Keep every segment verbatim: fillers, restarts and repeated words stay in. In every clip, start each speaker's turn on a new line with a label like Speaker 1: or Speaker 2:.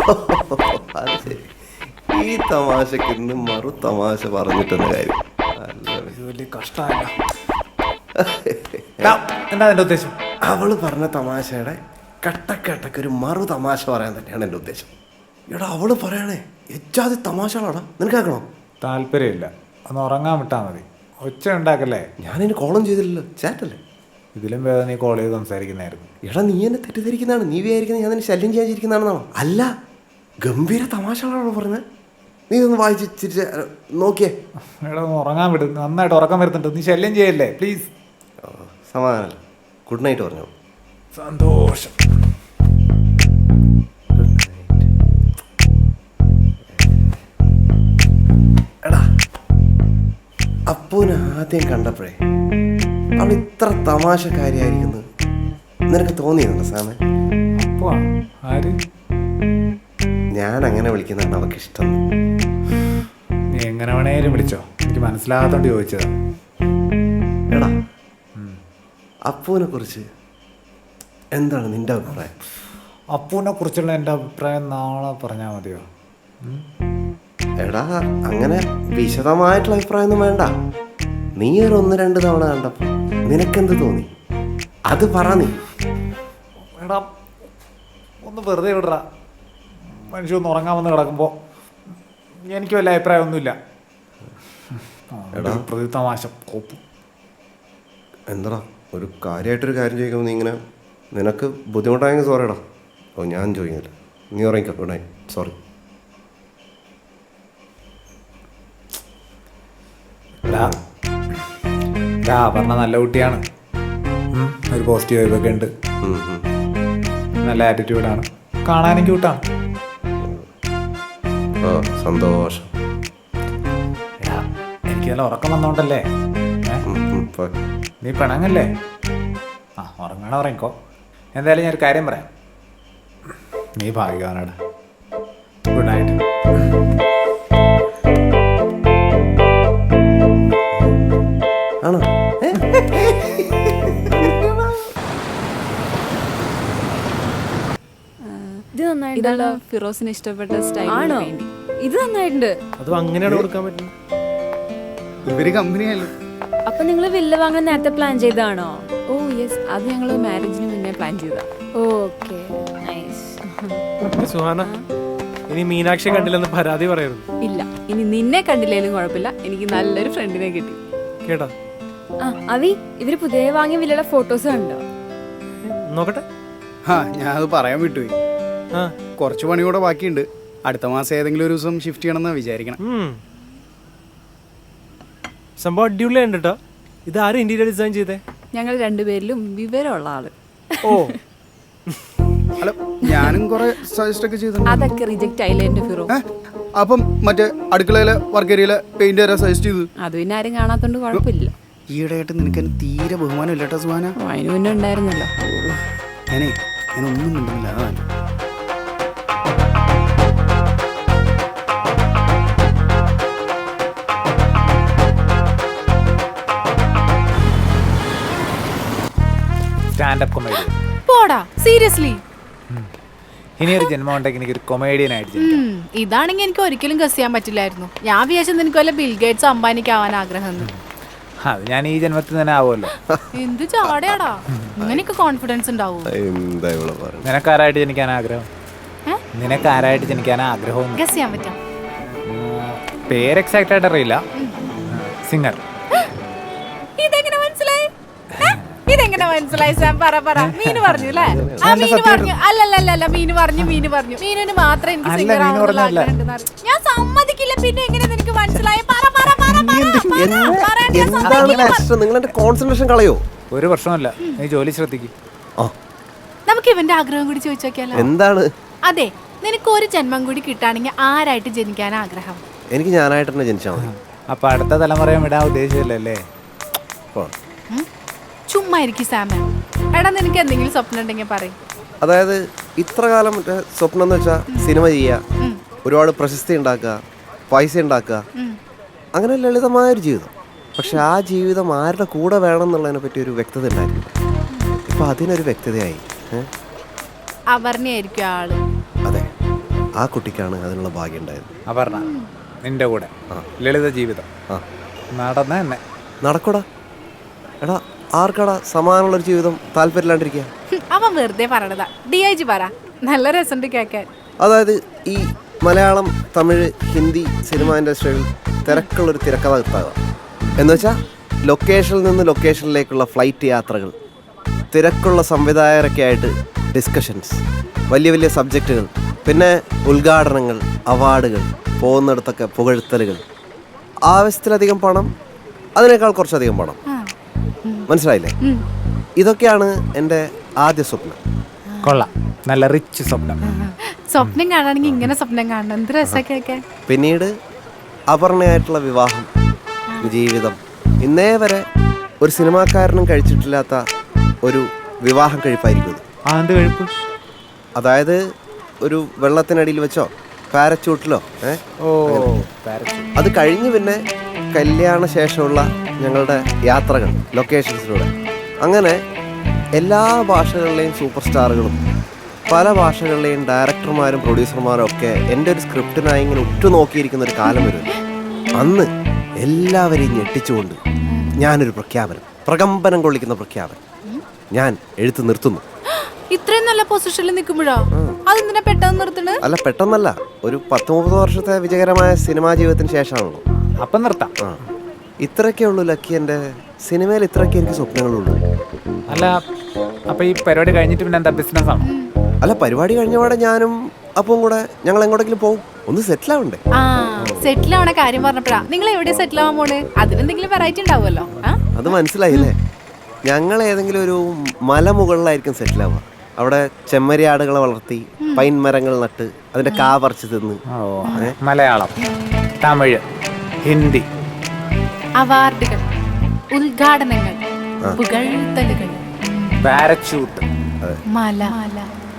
Speaker 1: അത് ശരി. ഈ തമാശക്ക് ഇന്ന് മറു തമാശ പറഞ്ഞിട്ടെന്ന കാര്യം
Speaker 2: വലിയ കഷ്ടമല്ല. എന്താ എന്റെ ഉദ്ദേശം?
Speaker 1: അവള് പറഞ്ഞ തമാശയുടെ കട്ടക്കട്ടക്ക് ഒരു മറു തമാശ പറയാൻ തന്നെയാണ് എൻ്റെ ഉദ്ദേശം. എടാ അവള് പറയണേ എച്ചാതി തമാശകളാടാ, നിനക്ക് കേൾക്കണോ?
Speaker 2: താല്പര്യമില്ല, ഒന്ന് ഉറങ്ങാൻ വിട്ടാ മതി. ഒച്ച ഉണ്ടാക്കല്ലേ.
Speaker 1: ഞാനിനി കോളം ചെയ്തില്ലല്ലോ, ചാറ്റല്ലേ.
Speaker 2: ഇതിലും വേദന നീ കോൾ ചെയ്ത് സംസാരിക്കുന്നതായിരുന്നു.
Speaker 1: എടാ നീ എന്നെ തെറ്റിദ്ധരിക്കുന്നതാണ്, നീ വിചാരിക്കുന്നത് ഞാൻ നിന്നെ ശല്യം ചെയ്യാതിരിക്കുന്നതാണെന്നാണോ? അല്ല, ഗംഭീര തമാശകളാണോ പറഞ്ഞത്. നീ ഒന്ന് വായിച്ച് ചിരിച്ച് നോക്കിയേ.
Speaker 2: എടാ ഒന്ന് ഉറങ്ങാൻ വിടും, നന്നായിട്ട് ഉറക്കം വരുന്നുണ്ട്. നീ ശല്യം ചെയ്യല്ലേ പ്ലീസ്.
Speaker 1: സമാധാനമല്ല. ഗുഡ് നൈറ്റ് പറഞ്ഞു.
Speaker 2: സന്തോഷം.
Speaker 1: എടാ അപ്പൂനെ ആദ്യം കണ്ടപ്പോഴേ അവൾ ഇത്ര തമാശക്കാരിയായിരിക്കുന്നത് നിനക്ക് തോന്നിയിട്ടുണ്ടോ സാമേ?
Speaker 2: അപ്പോ ആര്?
Speaker 1: ഞാൻ അങ്ങനെ വിളിക്കുന്നതാണ് അവൾക്ക് ഇഷ്ടം.
Speaker 2: നീ എങ്ങനെ വേണേലും വിളിച്ചോ, എനിക്ക് മനസ്സിലാകാത്തോണ്ട് ചോദിച്ചതാ.
Speaker 1: എടാ അപ്പൂനെ കുറിച്ച് എന്താണ് നിന്റെ അഭിപ്രായം?
Speaker 2: അപ്പൂനെ കുറിച്ചുള്ള എൻ്റെ അഭിപ്രായം നാളെ പറഞ്ഞാൽ മതിയോ?
Speaker 1: എടാ അങ്ങനെ വിശദമായിട്ടുള്ള അഭിപ്രായം ഒന്നും വേണ്ട. നീ ഒരു ഒന്ന് രണ്ട് തവണ കണ്ടപ്പോൾ നിനക്കെന്ത് തോന്നി അത് പറ. നീ
Speaker 2: എടാ ഒന്ന് വെറുതെ വിടറ. മനുഷ്യ ഒന്ന് ഉറങ്ങാൻ വന്ന് കിടക്കുമ്പോൾ എനിക്ക് വല്ല അഭിപ്രായമൊന്നുമില്ല. എടാ പ്രതി തമാശ കോപ്പ്.
Speaker 1: എന്താടാ ഒരു കാര്യമായിട്ടൊരു കാര്യം ചോദിക്കുമ്പോൾ നീ ഇങ്ങനെ, നിനക്ക് ബുദ്ധിമുട്ടായെങ്കിൽ സോറി എടാ. ഓ ഞാൻ ചോദിക്കുന്നില്ല, നീ ഉറങ്ങിക്കോ. Good night. സോറി.
Speaker 2: പറഞ്ഞ നല്ല കുട്ടിയാണ്, ഒരു പോസിറ്റീവ് വൈബൊക്കെ ഉണ്ട്, നല്ല ആറ്റിറ്റ്യൂഡാണ്, കാണാനും ക്യൂട്ടാണ്.
Speaker 1: ഓ സന്തോഷം.
Speaker 2: എനിക്ക് നല്ല ഉറക്കം വന്നോണ്ടല്ലേ. നീ പിണങ്ങല്ലേ? ആ ഉറങ്ങണ ഉറങ്ങിക്കോ. എന്തായാലും ഞാനൊരു കാര്യം പറയാം, നീ ഭാഗ്യവാനാണ്. Good night.
Speaker 1: ആണോ?
Speaker 3: ഇതാണ് ഫിറോസിന് ഇഷ്ടപ്പെട്ട സ്റ്റൈൽ. ആണോ? ഇത് നന്നായിട്ടുണ്ട്.
Speaker 4: അത് അങ്ങനെയാണ് കൊടുക്കാൻ പറ്റും. ഇവര് കമ്പനിയല്ലോ.
Speaker 3: അപ്പൊ നിങ്ങൾ വില്ല വാങ്ങാൻ നേരത്തെ പ്ലാൻ ചെയ്താണോ? ഓ യെസ്, അത് ഞങ്ങൾ മാരേജിന് മുന്നേ പ്ലാൻ ചെയ്താ. Okay nice.
Speaker 4: സുഹാന, ഇനി മീനാക്ഷി കണ്ടില്ലെന്ന് പരാതി പറയരുത്.
Speaker 3: ഇല്ല, ഇനി നിന്നെ കണ്ടില്ലേലും കുഴപ്പമില്ല, എനിക്ക് നല്ലൊരു ഫ്രണ്ടിനെ കിട്ടി.
Speaker 4: കേട്ടോ?
Speaker 3: ആ അവി, ഇവര് പുതിയ വാങ്ങിയ വില്ലയുടെ ഫോട്ടോസ് കണ്ടോ?
Speaker 4: നോക്കട്ടെ.
Speaker 5: ആ ഞാൻ അത് പറയാൻ വിട്ടുപോയി. കുറച്ച് പണി കൂടെ ബാക്കിയുണ്ട്. അടുത്ത മാസം ഏതെങ്കിലും ഒരു ദിവസം ഷിഫ്റ്റ് ചെയ്യണമെന്ന് വിചാരിക്കണം.
Speaker 4: സംഭവം അടിപൊളിയുണ്ട് കേട്ടോ. ഇത് ആരും ഇന്റീരിയർ ഡിസൈൻ ചെയ്തേ?
Speaker 3: ഞങ്ങൾ രണ്ടുപേരിലും വിവരമുള്ള ആള്.
Speaker 4: ഓ
Speaker 5: അല്ല, ഞാനും കുറെ സജസ്റ്റ് ഒക്കെ ചെയ്തു.
Speaker 3: അതൊക്കെ റിജക്റ്റ് ആയില്ലേ എന്റെ ഫിറോ?
Speaker 5: അപ്പം മറ്റേ അടുക്കളയിലെ വർക്ക് ഏരിയയിലെ പെയിന്റ് വരെ സജസ്റ്റ് ചെയ്തു.
Speaker 3: അത് പിന്നെ ആരും കാണാത്തോണ്ട് കുഴപ്പമില്ല.
Speaker 5: ഈയിടെയായിട്ട് നിനക്ക് എന്നെ തീരെ ബഹുമാനം ഇല്ല കേട്ടോ സുഹാന.
Speaker 3: അതിന് മുന്നേ ഉണ്ടായിരുന്നല്ലോ.
Speaker 5: ഞാനേ ഞാനൊന്നും മിണ്ടുന്നില്ല, അതാണ്.
Speaker 2: സ്റ്റാൻഡപ്പ് കൊമേഡി
Speaker 6: പോടാ, സീരിയസ്ലി.
Speaker 2: ഇനി ഒരു ജന്മം ഉണ്ടെങ്കിൽ എനിക്ക് ഒരു കൊമേഡിയൻ ആയിട്ട് ജനിക്കണം.
Speaker 6: ഇതാണെങ്കിൽ എനിക്ക് ഒരിക്കലും ഗസ് ചെയ്യാൻ പറ്റില്ലായിരുന്നു. ഞാൻ വിചാരിച്ചത് നിനക്ക് വല്ല ബിൽഗേറ്റ്സ് അംബാനിക്ക് ആവാൻ ആഗ്രഹം.
Speaker 2: അത് ഞാൻ ഈ ജന്മത്തിൽ തന്നെ ആവുമല്ലോ.
Speaker 6: എന്ത് ചാടയാടാ, ഇങ്ങനെയൊക്കെ കോൺഫിഡൻസ് ഉണ്ടാവും.
Speaker 2: നിനക്കാരായിട്ട് ജനിക്കാൻ ആഗ്രഹം? നിനക്കാരായിട്ട് ജനിക്കാൻ ആഗ്രഹം?
Speaker 6: ഗസ് ചെയ്യാൻ പറ്റാം.
Speaker 2: പേര് എക്സാക്റ്റ് ആയിട്ട് അറിയില്ല. സിംഗർ.
Speaker 6: ഇതെങ്ങനെ മനസ്സിലായി? ഇതെങ്ങനെ മനസ്സിലായി സാം? പറ പറ. മീന് പറഞ്ഞു അല്ലേ? ആ മീന് പറഞ്ഞു. അല്ലല്ലല്ല, മീന് പറഞ്ഞു മീന് പറഞ്ഞു മീനിന് മാത്രം എനിക്ക് സിംഗർ ആവാനുള്ള ആഗ്രഹം. ഞാൻ സമ്മതിക്കില്ല. പിന്നെ എങ്ങനെ നിനക്ക് മനസ്സിലായി? പറ പറ പറ.
Speaker 1: നിങ്ങളെന്റെ കോൺസെൻട്രേഷൻ കളയോ?
Speaker 2: ഒരു പ്രശ്നമല്ല, നീ ജോലി ശ്രദ്ധിക്കും.
Speaker 6: നമുക്ക് ഇവന്റെ ആഗ്രഹം കൂടി ചോദിച്ചു നോക്കിയാലോ?
Speaker 1: എന്താണ്?
Speaker 6: അതെ, നിനക്ക് ഒരു ജന്മം കൂടി കിട്ടാണെങ്കിൽ ആരായിട്ട് ജനിക്കാൻ ആഗ്രഹം?
Speaker 1: എനിക്ക് ഞാനായിട്ട് തന്നെ ജനിച്ചാൽ മതി.
Speaker 2: അപ്പൊ അടുത്ത തലമുറയെ വിടാൻ ഉദ്ദേശിച്ചില്ലല്ലേ?
Speaker 6: ചുമ്മാ ഇരിക്കും സാമ. എടാ നിനക്ക് എന്തെങ്കിലും സ്വപ്നം ഉണ്ടെങ്കിൽ പറയും.
Speaker 1: അതായത് ഇത്ര കാലം മറ്റേ സ്വപ്നം എന്ന് വെച്ചാൽ സിനിമ ചെയ്യുക, ഒരുപാട് പ്രശസ്തി ഉണ്ടാക്കുക, പൈസ ഉണ്ടാക്കുക, അങ്ങനെ ലളിതമായൊരു ജീവിതം. പക്ഷെ ആ ജീവിതം ആരുടെ കൂടെ വേണം എന്നുള്ളതിനെ പറ്റി ഒരു വ്യക്തത ഉണ്ടായിരുന്നു. ഇപ്പൊ അതിനൊരു വ്യക്തതയായി.
Speaker 6: അവർണയായിരിക്കും ആള്.
Speaker 1: അതെ, ആ കുട്ടിക്കാണ് അതിനുള്ള ഭാഗ്യം ഉണ്ടായത്.
Speaker 2: അപർണ നിന്റെ കൂടെ ലളിത ജീവിതം
Speaker 1: ആ
Speaker 2: നടന്ന തന്നെ
Speaker 1: നടക്കൂടാ. എടാ ആർക്കടാ സമാനമുള്ളൊരു ജീവിതം താല്പര്യമില്ലാണ്ടിരിക്കുക?
Speaker 6: ഹും, അവൻ വെറുതെ പറയണതാ. ഡി ഐ ജി പറ, നല്ല രസമുണ്ട് കേൾക്കാൻ.
Speaker 1: അതായത് ഈ മലയാളം, തമിഴ്, ഹിന്ദി സിനിമ ഇൻഡസ്ട്രിയിൽ തിരക്കുള്ളൊരു തിരക്കഥാകൃത്താകുക എന്ന് വെച്ചാൽ ലൊക്കേഷനിൽ നിന്ന് ലൊക്കേഷനിലേക്കുള്ള ഫ്ലൈറ്റ് യാത്രകൾ, തിരക്കുള്ള സംവിധായകരൊക്കെ ആയിട്ട് ഡിസ്കഷൻസ്, വലിയ വലിയ സബ്ജക്റ്റുകൾ, പിന്നെ ഉദ്ഘാടനങ്ങൾ, അവാർഡുകൾ, പോകുന്നിടത്തൊക്കെ പുകഴ്ത്തലുകൾ, ആവശ്യത്തിലധികം പണം, അതിനേക്കാൾ കുറച്ചധികം പണം. മനസ്സിലായില്ലേ? ഇതൊക്കെയാണ് എൻ്റെ ആദ്യ സ്വപ്നം.
Speaker 2: കൊള്ളാം, നല്ല റിച്ച് സ്വപ്നം.
Speaker 6: സ്വപ്നം കാണാണെങ്കിൽ ഇങ്ങനെ സ്വപ്നം കാണണം. എന്ത് രസമൊക്കെ കേൾക്കാൻ.
Speaker 1: പിന്നീട് അപർണയായിട്ടുള്ള വിവാഹം, ജീവിതം, ഇന്നേ വരെ ഒരു സിനിമാക്കാരനും കഴിച്ചിട്ടില്ലാത്ത ഒരു വിവാഹം കഴിപ്പായിരിക്കും ഇത്.
Speaker 2: ആ എന്ത് കഴിപ്പ്?
Speaker 1: അതായത് ഒരു വെള്ളത്തിനടിയിൽ വെച്ചോ പാരച്ചൂട്ടിലോ ഏ
Speaker 2: ഓ പാരച്യൂട്ട്.
Speaker 1: അത് കഴിഞ്ഞ് പിന്നെ കല്യാണ ശേഷമുള്ള ഞങ്ങളുടെ യാത്രകൾ ലൊക്കേഷൻസിലൂടെ, അങ്ങനെ എല്ലാ ഭാഷകളിലെയും സൂപ്പർ സ്റ്റാറുകളും പല ഭാഷകളിലെയും ഡയറക്ടർമാരും പ്രൊഡ്യൂസർമാരും ഒക്കെ എൻ്റെ ഒരു സ്ക്രിപ്റ്റിനായി ഇങ്ങനെ ഉറ്റുനോക്കിയിരിക്കുന്ന ഒരു കാലം വരും. അന്ന് എല്ലാവരെയും ഞെട്ടിച്ചുകൊണ്ട് ഞാനൊരു പ്രഖ്യാപനം, പ്രകമ്പനം കൊള്ളിക്കുന്ന പ്രഖ്യാപനം ഞാൻ എഴുത്ത് നിർത്തുന്നു.
Speaker 6: ഇത്രയും നല്ല പൊസിഷനിൽ നിൽക്കുമ്പോഴോ അതെന്തിനാ പെട്ടെന്ന് നിർത്തണ്?
Speaker 1: അല്ല, പെട്ടെന്നല്ല, ഒരു പത്ത് മുപ്പത് വർഷത്തെ വിജയകരമായ സിനിമാ ജീവിതത്തിന് ശേഷമാണല്ലോ.
Speaker 2: അപ്പം നിർത്താം.
Speaker 1: ആ ഇത്രയൊക്കെ ഉള്ളൂ ലക്കി. എൻ്റെ സിനിമയിൽ ഇത്രയൊക്കെ എനിക്ക് സ്വപ്നങ്ങളുള്ളൂ.
Speaker 2: അല്ല അപ്പൊ ഈ പരിപാടി കഴിഞ്ഞിട്ട് പിന്നെ എന്താ ബിസിനസ് ആണ്?
Speaker 1: അല്ല, പരിപാടി കഴിഞ്ഞപാടെ ഞാനും അപ്പം കൂടെ ഞങ്ങൾ എങ്ങോട്ടെങ്കിലും പോകും. ഒന്ന് സെറ്റിൽ ആവണ്ടേ?
Speaker 6: ആ സെറ്റിൽ ആവണ കാര്യം പറഞ്ഞപ്പോഴാ നിങ്ങൾ എവിടെ സെറ്റിൽ ആവാൻ പോണ്? അതിനെന്തെങ്കിലും വെറൈറ്റി ഉണ്ടാവുമല്ലോ.
Speaker 1: അത് മനസ്സിലായില്ലേ? ഞങ്ങൾ ഏതെങ്കിലും ഒരു മലമുകളിലായിരിക്കും സെറ്റിൽ ആവുക. അവിടെ ചെമ്മരിയാടുകളെ വളർത്തി പൈൻ മരങ്ങൾ നട്ട് അതിന്റെ കാ പറിച്ച് തിന്ന്.
Speaker 2: ഓ മലയാളം, തമിഴ്, ഹിന്ദി,
Speaker 6: അവാർഡുകൾ, ഉദ്ഘാടനങ്ങൾ, പുകഴ്ത്തലുകൾ,
Speaker 2: പാരച്യൂട്ട്,
Speaker 6: മല മല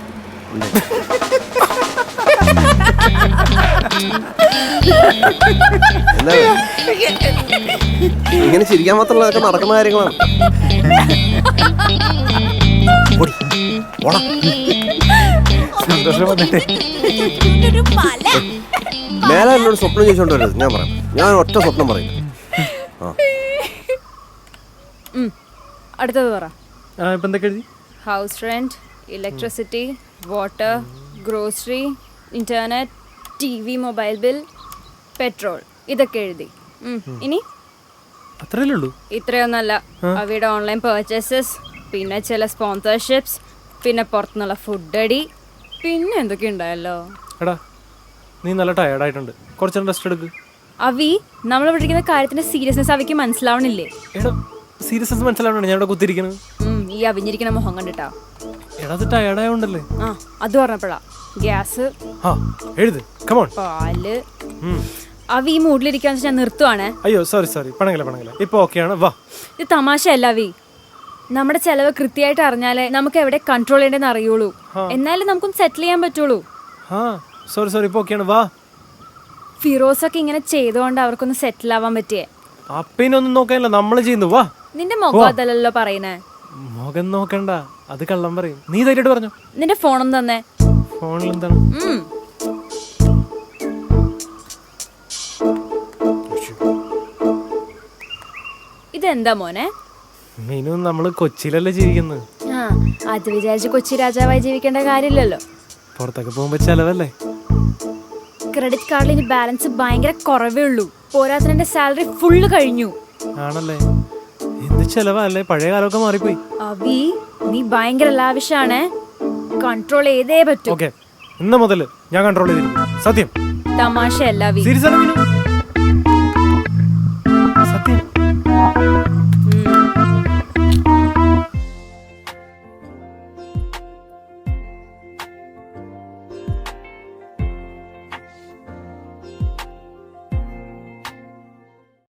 Speaker 1: എന്താ ഇങ്ങനെ ചിരിക്കാൻ മാത്രമുള്ളതൊക്കെ നടക്കുന്ന കാര്യങ്ങളാണ്. ഓടി, ഓടാ.
Speaker 2: സന്തോഷം വന്നിട്ട്
Speaker 1: മേലെ എന്നോട് സ്വപ്നം ചോദിച്ചോണ്ട് വരരുത്. ഞാൻ പറയാം, ഞാൻ ഒറ്റ സ്വപ്നം പറയും. ആ
Speaker 3: അടുത്തത് പറ.
Speaker 4: ആ ഇപ്പം എന്തൊക്കെ എഴുതി?
Speaker 3: House rent, electricity, water, grocery, internet, T V, mobile bill, petrol, ഇതൊക്കെ എഴുതി. ഉം. ഇനി
Speaker 4: അത്രയല്ലേ ഉള്ളൂ?
Speaker 3: ഇത്രയൊന്നല്ല, അവയുടെ ഓൺലൈൻ പർച്ചേസസ്, പിന്നെ ചില സ്പോൺസർഷിപ്സ്, പിന്നെ പുറത്തുനിന്നുള്ള ഫുഡ് അടി, പിന്നെ എന്തൊക്കെ ഉണ്ടായല്ലോ.
Speaker 4: എടാ നീ നല്ല ടയർഡായിട്ടുണ്ട്, കുറച്ച് റെസ്റ്റ് എടുക്ക്.
Speaker 3: അവി നമ്മൾ പഠിക്കുന്ന കാര്യത്തിന്റെ സീരിയസ്നെസ് അവയ്ക്ക് മനസ്സിലാവണില്ലേ?
Speaker 4: എടാ സീരിയസ്നെസ് മനസ്സിലാവണം, ഞാൻ ഇവിടെ കുത്തിരിക്കുന്നത്.
Speaker 3: ഉം, ഈ അവിഞ്ഞിരിക്കുന്ന മുഖം കണ്ടിട്ടാ.
Speaker 4: എടാ അത് ടയർഡായോണ്ടല്ലേ?
Speaker 3: ആ അത് പറഞ്ഞപ്പോഴാ. ഗ്യാസ്,
Speaker 4: ആ എഴുത്, കമോൺ.
Speaker 3: പാല്. അവി ഈ മൂഡിലിരിക്കാന്ന് വെച്ചാൽ ഞാൻ നിർത്തുവാണേ.
Speaker 4: അയ്യോ സോറി സോറി, പണങ്ങല പണങ്ങല, ഇപ്പൊ ഓക്കെയാണ്. വാ,
Speaker 3: ഇത് തമാശയല്ല അവി. നമ്മുടെ ചെലവ് കൃത്യമായിട്ട് അറിഞ്ഞാലേ നമുക്ക് എവിടെ കൺട്രോൾ ചെയ്യേണ്ടതെന്ന് അറിയുള്ളൂ. എന്നാലും നമുക്കൊന്ന് സെറ്റിൽ ചെയ്യാൻ പറ്റുള്ളൂ.
Speaker 4: ആ സോറി സോറി, ഇപ്പൊ ഓക്കെയാണ്. വാ.
Speaker 3: ഫിറോസൊക്കെ ഇങ്ങനെ ചെയ്തുകൊണ്ട് അവർക്കൊന്ന് സെറ്റിൽ ആവാൻ പറ്റിയേ.
Speaker 4: അപ്പനൊന്നും നോക്കാനില്ല, നമ്മൾ ചെയ്യുന്നു. വാ.
Speaker 3: നിന്റെ മുഖം അതല്ലല്ലോ പറയുന്നേ.
Speaker 4: മുഖം നോക്കണ്ട, അത് കള്ളം പറയും. നീ ധൈര്യമായിട്ട് പറഞ്ഞു.
Speaker 3: നിന്റെ ഫോണൊന്നും തന്നെ.
Speaker 4: ഫോണിൽ എന്താണ്?
Speaker 3: ഉം. ഇതെന്താ മോനെ?
Speaker 4: മീനു, നമ്മള് കൊച്ചിയിലല്ലേ ജീവിക്കുന്നത്.
Speaker 3: ആ അത് വിചാരിച്ച് കൊച്ചി രാജാവായി ജീവിക്കേണ്ട കാര്യമില്ലല്ലോ.
Speaker 4: പുറത്തൊക്കെ പോകുമ്പോ ചെലവല്ലേ.
Speaker 3: ക്രെഡിറ്റ് കാർഡിൽ ഇനി ബാലൻസ് ഭയങ്കര കുറവേ ഉള്ളൂ. പോരാത്തതിന്റെ സാലറി ഫുള്ള് കഴിഞ്ഞു.
Speaker 4: ആണല്ലേ? എന്ത് ചെലവല്ലേ, പഴയ കാലമൊക്കെ മാറിപ്പോയി.
Speaker 3: അവി നീ ഭയങ്കര ലാവിഷാണ്, കൺട്രോൾ ചെയ്തേ പറ്റൂ.
Speaker 4: ഓക്കെ, ഇന്ന് മുതല് ഞാൻ കൺട്രോൾ ചെയ്തിരിക്കും. സത്യം.
Speaker 3: തമാശയല്ല അവി.
Speaker 4: സീരിയസ് ആണ് മീനു, സത്യം.